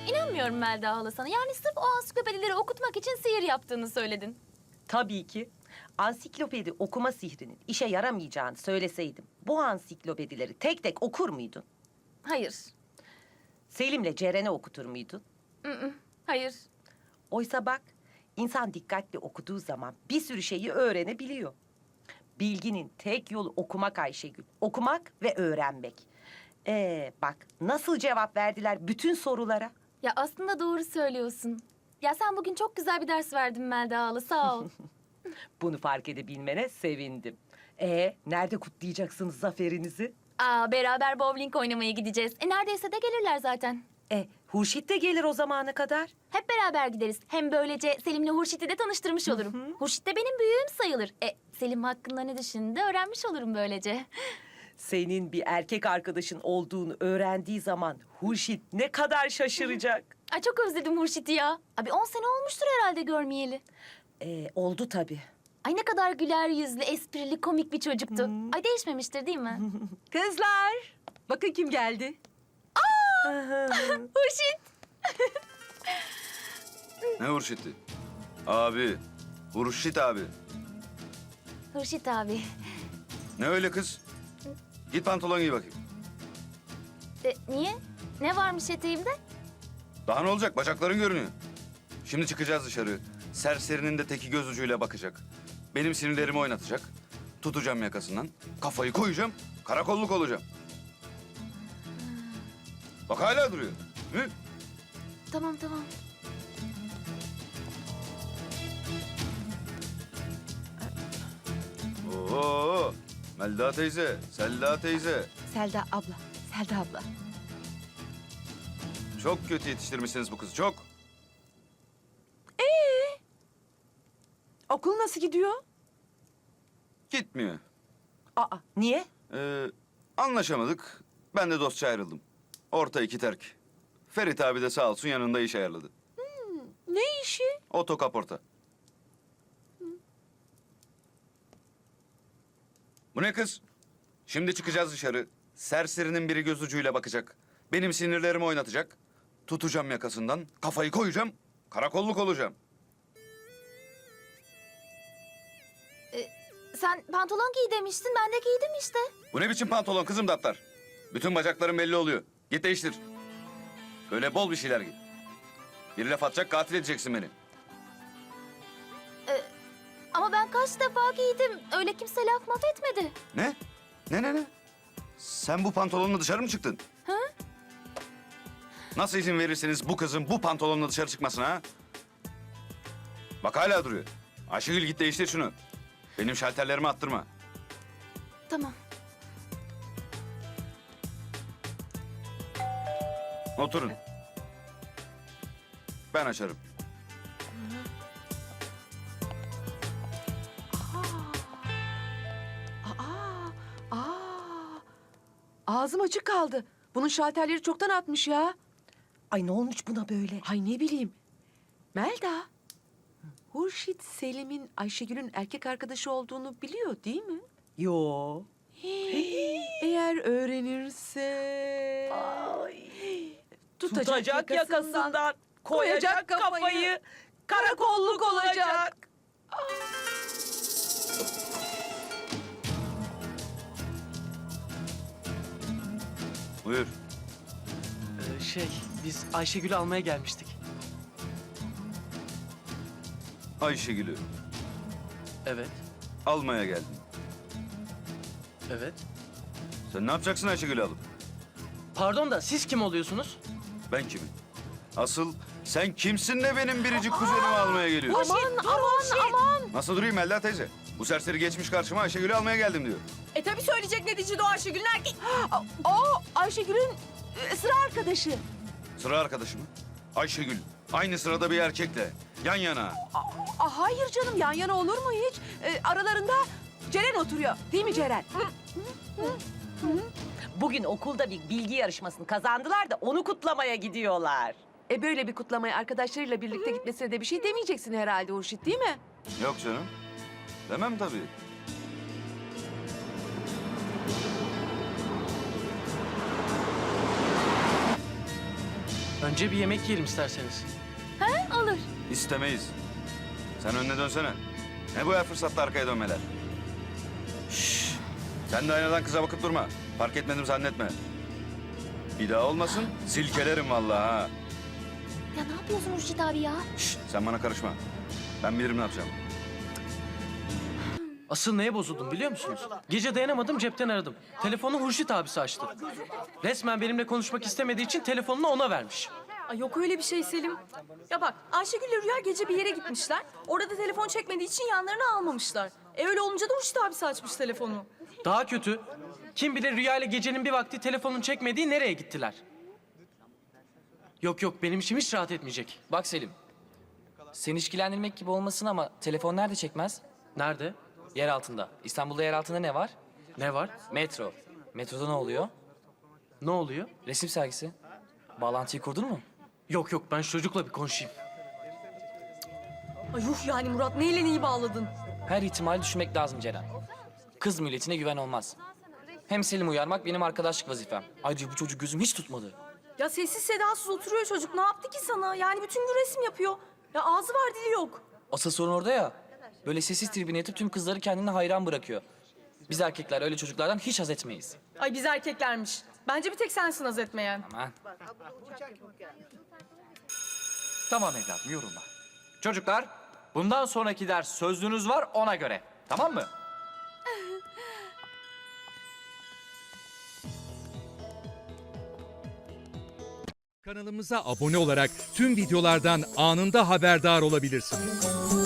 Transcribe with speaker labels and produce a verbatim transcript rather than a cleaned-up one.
Speaker 1: İnanmıyorum Melda hala sana. Yani sırf o ansiklopedileri okutmak için sihir yaptığını söyledin.
Speaker 2: Tabii ki. Ansiklopedi okuma sihrinin işe yaramayacağını söyleseydim, bu ansiklopedileri tek tek okur muydun?
Speaker 1: Hayır.
Speaker 2: Selim'le Ceren'e okutur muydun?
Speaker 1: Mm-mm. Hayır.
Speaker 2: Oysa bak, insan dikkatli okuduğu zaman bir sürü şeyi öğrenebiliyor. Bilginin tek yolu okumak Ayşegül. Okumak ve öğrenmek. Ee, bak nasıl cevap verdiler bütün sorulara.
Speaker 1: Ya aslında doğru söylüyorsun. Ya sen bugün çok güzel bir ders verdin Melda hala. Sağ ol.
Speaker 2: Bunu fark edebilmene sevindim. Ee, nerede kutlayacaksınız zaferinizi?
Speaker 1: Aa, beraber bowling oynamaya gideceğiz. E neredeyse de gelirler zaten.
Speaker 2: E, Hurşit de gelir o zamana kadar.
Speaker 1: Hep beraber gideriz. Hem böylece Selim'le Hurşit'i de tanıştırmış olurum. Hurşit de benim büyüğüm sayılır. E, Selim hakkında ne düşündüğünü de öğrenmiş olurum böylece.
Speaker 2: Senin bir erkek arkadaşın olduğunu öğrendiği zaman Hurşit ne kadar şaşıracak.
Speaker 1: Ay çok özledim Hurşit'i ya. Abi on sene olmuştur herhalde görmeyeli.
Speaker 2: Ee, oldu tabii.
Speaker 1: Ay ne kadar güler yüzlü, esprili, komik bir çocuktu. Ay değişmemiştir değil mi?
Speaker 3: Kızlar, bakın kim geldi.
Speaker 1: Hurşit!
Speaker 4: Ne Hurşit'i? Abi. Hurşit abi.
Speaker 1: Hurşit abi.
Speaker 4: Ne öyle kız? Git pantolon giy bakayım.
Speaker 1: E, niye? Ne varmış eteğimde?
Speaker 4: Daha ne olacak? Bacakların görünüyor. Şimdi çıkacağız dışarı. Serserinin de teki göz ucuyla bakacak. Benim sinirlerimi oynatacak. Tutacağım yakasından. Kafayı koyacağım. Karakolluk olacağım. Bak hala duruyor. Hı?
Speaker 1: Tamam tamam.
Speaker 4: Oo, Melda teyze, Selda teyze.
Speaker 3: Selda abla, Selda abla.
Speaker 4: Çok kötü yetiştirmişsiniz bu kızı, çok.
Speaker 3: Okul nasıl gidiyor?
Speaker 4: Gitmiyor.
Speaker 2: Aa, niye?
Speaker 4: Ee, anlaşamadık. Ben de dostça ayrıldım. Orta iki terk. Ferit abi de sağ olsun yanında iş ayarladı.
Speaker 3: Ne işi?
Speaker 4: Otokaporta. Bu ne kız? Şimdi çıkacağız dışarı. Serserinin biri göz ucuyla bakacak. Benim sinirlerimi oynatacak. Tutacağım yakasından, kafayı koyacağım. Karakolluk olacağım.
Speaker 1: Sen pantolon giy demiştin, ben de giydim işte.
Speaker 4: Bu ne biçim pantolon kızım Daptar? Bütün bacakların belli oluyor. Git değiştir. Böyle bol bir şeyler giy. Bir laf atacak, katil edeceksin beni.
Speaker 1: Ama ben kaç defa giydim. Öyle kimse laf maf etmedi.
Speaker 4: Ne? Ne ne ne? Sen bu pantolonla dışarı mı çıktın?
Speaker 1: Hı?
Speaker 4: Nasıl izin verirsiniz bu kızın bu pantolonla dışarı çıkmasına ha? Bak hala duruyor. Ayşegül git değiştir şunu. Benim şalterlerimi attırma.
Speaker 1: Tamam.
Speaker 4: Oturun. Ben açarım.
Speaker 3: Aa, aa. Ağzım açık kaldı. Bunun şalterleri çoktan atmış ya.
Speaker 2: Ay ne olmuş buna böyle?
Speaker 3: Ay ne bileyim. Melda, Hurşit Selim'in Ayşegül'ün erkek arkadaşı olduğunu biliyor değil mi?
Speaker 2: Yo.
Speaker 3: Eğer öğrenirse... Tutacak,
Speaker 2: Tutacak yakasından, koyacak
Speaker 3: koyacak
Speaker 2: kafayı,
Speaker 3: kafayı,
Speaker 2: karakolluk olacak.
Speaker 4: Buyur.
Speaker 5: Ee, şey, biz Ayşegül'ü almaya gelmiştik.
Speaker 4: Ayşegül'ü
Speaker 5: Evet,
Speaker 4: almaya geldim.
Speaker 5: evet.
Speaker 4: Sen ne yapacaksın Ayşegül'ü alıp?
Speaker 5: Pardon da siz kim oluyorsunuz?
Speaker 4: Ben kimim? Asıl sen kimsin de benim biricik kuzenimi almaya geliyorsun?
Speaker 3: Aman, aman, aman.
Speaker 4: Nasıl durayım Melda teyze? Bu serseri geçmiş karşıma Ayşegül'ü almaya geldim diyor.
Speaker 3: E tabii söyleyecek neticede o Ayşegül'ün erkek... O Ayşegül'ün e, sıra arkadaşı.
Speaker 4: Sıra arkadaşı mı? Ayşegül. Aynı sırada bir erkekle. Yan yana.
Speaker 3: Aa, hayır canım, yan yana olur mu hiç? E, aralarında Ceren oturuyor. Değil mi Ceren?
Speaker 2: Bugün okulda bir bilgi yarışmasını kazandılar da onu kutlamaya gidiyorlar.
Speaker 3: E böyle bir kutlamaya arkadaşlarıyla birlikte gitmesine de bir şey demeyeceksin herhalde Hurşit, değil mi?
Speaker 4: Yok canım. Demem tabii.
Speaker 5: Önce bir yemek yiyelim isterseniz.
Speaker 1: Olur.
Speaker 4: İstemeyiz. Sen önüne dönsene. Ne bu her fırsatta arkaya dönmeler? Şşş. Sen de aynadan kıza bakıp durma. Fark etmedim zannetme. Bir daha olmasın, silkelerim vallahi ha.
Speaker 1: Ya ne yapıyorsun Hurşit abi ya?
Speaker 4: Şşş, sen bana karışma. Ben bilirim ne yapacağım.
Speaker 5: Asıl neye bozuldum biliyor musunuz? Gece dayanamadım, cepten aradım. Telefonu Hurşit abisi açtı. Resmen benimle konuşmak istemediği için telefonunu ona vermiş.
Speaker 6: Ay yok öyle bir şey Selim. Ya bak Ayşegül'le Rüya gece bir yere gitmişler. Orada da telefon çekmediği için yanlarına almamışlar. E öyle olunca da Hurşit abisi açmış telefonu.
Speaker 5: Daha kötü. Kim bilir Rüya ile gecenin bir vakti telefonun çekmediği nereye gittiler? Yok yok, benim içim hiç rahat etmeyecek.
Speaker 7: Bak Selim, seni ilgilendirmek gibi olmasın ama telefon nerede çekmez?
Speaker 5: Nerede?
Speaker 7: Yer altında. İstanbul'da yer altında ne var?
Speaker 5: Ne var?
Speaker 7: Metro. Metroda ne oluyor?
Speaker 5: Ne oluyor?
Speaker 7: Resim sergisi. Bağlantıyı kurdun mu?
Speaker 5: Yok yok, ben şu çocukla bir konuşayım.
Speaker 6: Ay yuh yani Murat neyle neyi bağladın?
Speaker 7: Her ihtimali düşünmek lazım Ceren. Kız milletine güven olmaz. Hem Selim uyarmak benim arkadaşlık vazifem. Ayrıca bu çocuk gözüm hiç tutmadı.
Speaker 6: Ya sessiz sedasız oturuyor çocuk. Ne yaptı ki sana? Yani bütün gün resim yapıyor. Ya ağzı var dili yok.
Speaker 7: Asıl sorun orada ya. Böyle sessiz tribüne yatıp tüm kızları kendine hayran bırakıyor. Biz erkekler öyle çocuklardan hiç haz etmeyiz.
Speaker 6: Ay biz erkeklermiş. Bence bir tek sensin haz etmeyen.
Speaker 7: Aman.
Speaker 8: Tamam evladım yorulma. Çocuklar bundan sonraki ders sözlüğünüz var ona göre. Tamam mı?
Speaker 9: Kanalımıza abone olarak tüm videolardan anında haberdar olabilirsiniz.